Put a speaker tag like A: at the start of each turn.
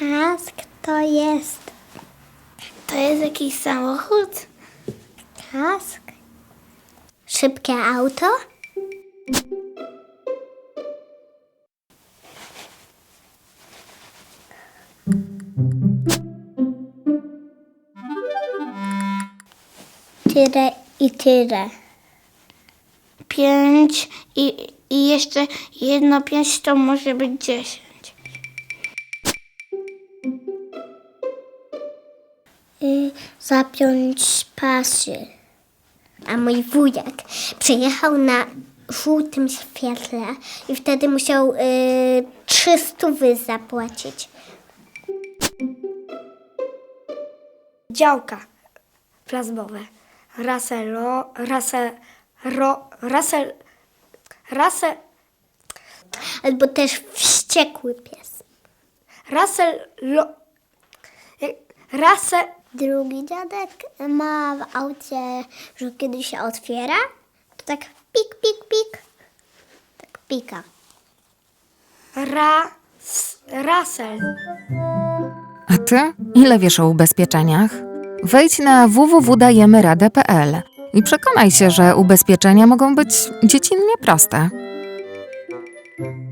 A: Kask to jest
B: jakiś samochód?
A: kask? Szybkie auto? Tyle i tyle.
B: 5 i jeszcze jedno 5 to może być 10.
A: Zapiąć pasy. A mój wujek przyjechał na żółtym świetle i wtedy musiał 300 zapłacić.
C: Działka plazmowe.
A: Albo też wściekły pies. Drugi dziadek ma w aucie, że kiedy się otwiera, to tak pik, pik, pik. Tak pika.
C: Rasel.
D: A ty? Ile wiesz o ubezpieczeniach? Wejdź na www.dajemyradę.pl i przekonaj się, że ubezpieczenia mogą być dziecinnie proste.